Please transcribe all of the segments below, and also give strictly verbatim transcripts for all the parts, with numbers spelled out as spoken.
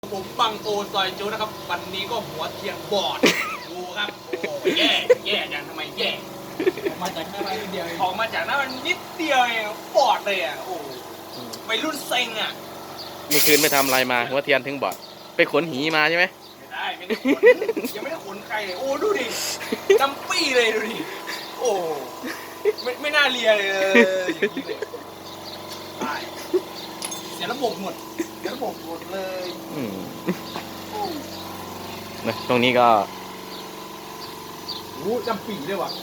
ผมบังโอซอยจูนะครับวันนี้ก็หัวเทียนบอดดูครับโอ้แย่แย่จังทำไมแย่ออกมาจากหน้ามันนิดเดียวออกมาจากหน้ามันนิดเดียวเองบอดเลยอ่ะโอ้ไปรุ่นเซ็งอ่ะเมื่อคืนไปทำอะไรมาหัวเทียนถึงบอดไปขนหีมาใช่ไหมไม่ได้ไม่ได้ขนยังไม่ได้ขนใครเลยโอ้ดูดิจำปี้เลยดูดิโอ้ไม่ไม่น่าเลียเลยอย่างนี้เลยตายเสียระบบหมดเสียระบบหมดเลยนะตรงนี้ก็โอ้จำปีเลยว่ะ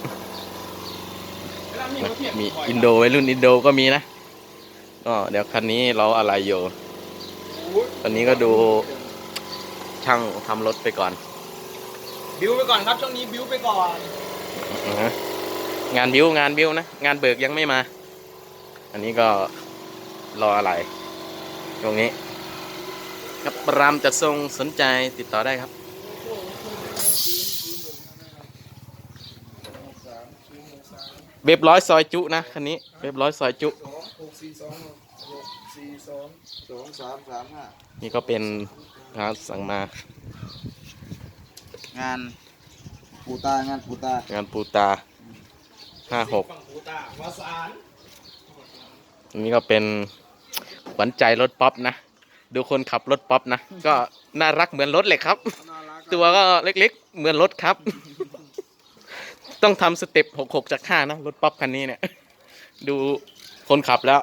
มีอินโดวัยรุ่นอินโดก็มีนะก็เดี๋ยวคันนี้เราอะไรอยู่ตอนนี้ก็ดูช่างทำรถไปก่อนบิวไปก่อนครับช่วงนี้บิวไปก่อนงานบิวงานบิวนะงานเบิกยังไม่มาอันนี้ก็รออะไรตรงนี้กับรามจัดทรงสนใจติดต่อได้ครับเว็บร้อยซอยจุนะคันนี้เว็บร้อยซอยจุนี่ก็เป็นงานสั่งมางานปูตางานปูตางานปูตาห้าหกนี่ก็เป็นขวัญใจรถป๊อปนะดูคนขับรถป๊อปนะก็น่ารักเหมือนรถเลยครับตัวก็เล็กๆเหมือนรถครับต้องทำสเต็ปหกหกจากห้านะรถป๊อปคันนี้เนี่ยดูคนขับแล้ว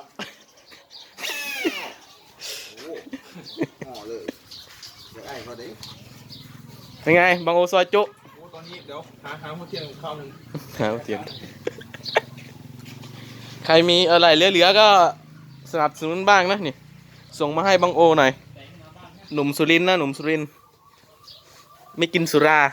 เป็นไงบางโอซอยจุตอนนี้เดี๋ยวหาหาหัวเทียนข้าวหนึ่งหาหัวเทียนใครมีอะไรเหลือๆก็สนับสนุนบ้างนะนี่ส่งมาให้บางโอหน่อยหนุ่มสุรินทร์นะหนุ่มสุรินทร์ไม่กินสุรา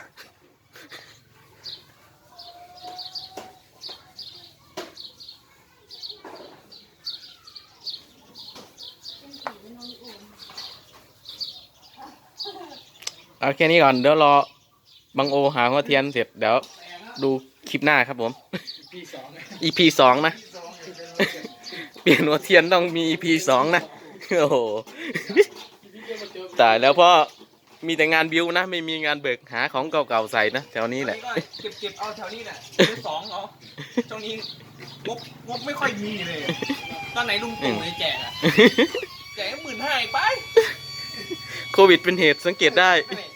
เอาแค่นี้ก่อนเดี๋ยวรอบางโอหาหัวเทียนเสร็จเดี๋ยวดูคลิปหน้าครับผม อี พี สองนะเปลี่ยนหัวเทียนต้องมี อี พี สองนะโอ้โหตายแล้วเพราะมีแต่งานบิวนะไม่มีงานเบิกหาของเก่าๆใส่นะแถวนี้แหละเก็บเก็บเอาแถวนี้แหละซื้อสองเหรอช่วงนี้งบงบไม่ค่อยมีเลยตอนไหนลุงตู่ให้แจกอะแจกหมื่นห้าไปโควิดเป็นเหตุสังเกตได้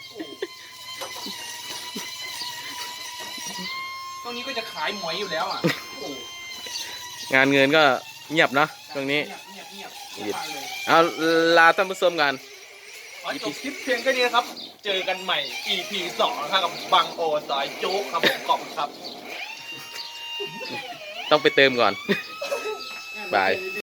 ตรงนี้ก็จะขายหมอยอยู่แล้วอ่ะงานเงินก็เงียบเนาะตรงนี้เอาลาท่านผู้ชมกันขอจบคลิปเพียงแค่นี้นะครับเจอกันใหม่ อี พี สองครับกับบังโอซอยโจ๊กครับผมขอบคุณครับต้องไปเติมก่อนบาย